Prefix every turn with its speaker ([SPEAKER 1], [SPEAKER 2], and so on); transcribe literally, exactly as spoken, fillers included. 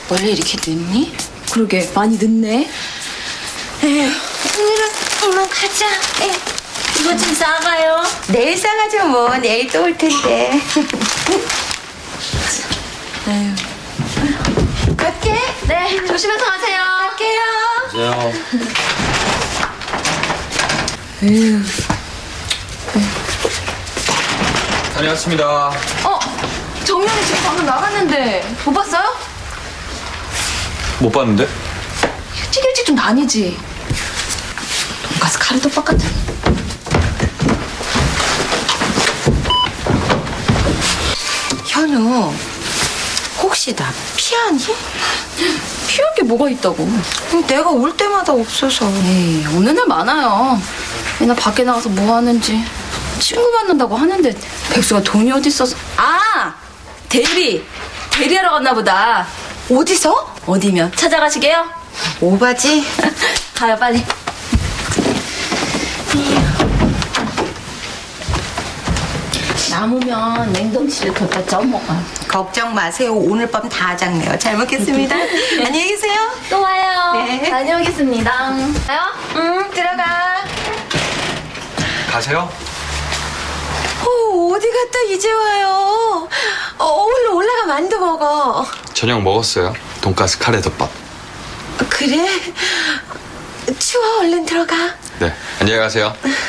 [SPEAKER 1] 원래 이렇게 늦니?
[SPEAKER 2] 그러게 많이 늦네.
[SPEAKER 1] 에휴, 오늘은 이만 가자. 에휴, 이거 좀 싸가요.
[SPEAKER 3] 내일 싸가죠 뭐. 내일 또 올 텐데.
[SPEAKER 2] 에휴.
[SPEAKER 3] 갈게.
[SPEAKER 1] 네, 조심해서 가세요.
[SPEAKER 3] 갈게요.
[SPEAKER 4] 안녕하세요.
[SPEAKER 2] 에휴.
[SPEAKER 4] 다녀왔습니다.
[SPEAKER 2] 어, 정연이 지금 방금 나갔는데 못 봤어요?
[SPEAKER 4] 못 봤는데?
[SPEAKER 2] 일찍 일찍 좀 다니지. 돈가스 카레덮밥 같은.
[SPEAKER 3] 현우, 혹시 나 피하니?
[SPEAKER 2] 피할 게 뭐가 있다고.
[SPEAKER 3] 내가 올 때마다 없어서.
[SPEAKER 2] 에이, 어느 날 많아요. 맨날 밖에 나가서 뭐 하는지. 친구 만난다고 하는데 백수가 돈이 어디 있어서. 아! 대리! 대리하러 갔나 보다.
[SPEAKER 3] 어디서?
[SPEAKER 2] 어디면 찾아가시게요?
[SPEAKER 3] 오바지?
[SPEAKER 2] 가요, 빨리. 남으면 냉동실에 뒀다 쪄먹어요.
[SPEAKER 3] 걱정 마세요. 오늘 밤 다 작네요. 잘 먹겠습니다. 안녕히 계세요.
[SPEAKER 2] 또 와요.
[SPEAKER 3] 네.
[SPEAKER 2] 다녀오겠습니다. 가요?
[SPEAKER 3] 응, 들어가.
[SPEAKER 4] 가세요?
[SPEAKER 3] 어, 어디 갔다 이제 와요? 어, 얼른 올라가 만두 먹어.
[SPEAKER 4] 저녁 먹었어요. 돈가스 카레 덮밥.
[SPEAKER 3] 그래? 추워, 얼른 들어가.
[SPEAKER 4] 네, 안녕히 가세요.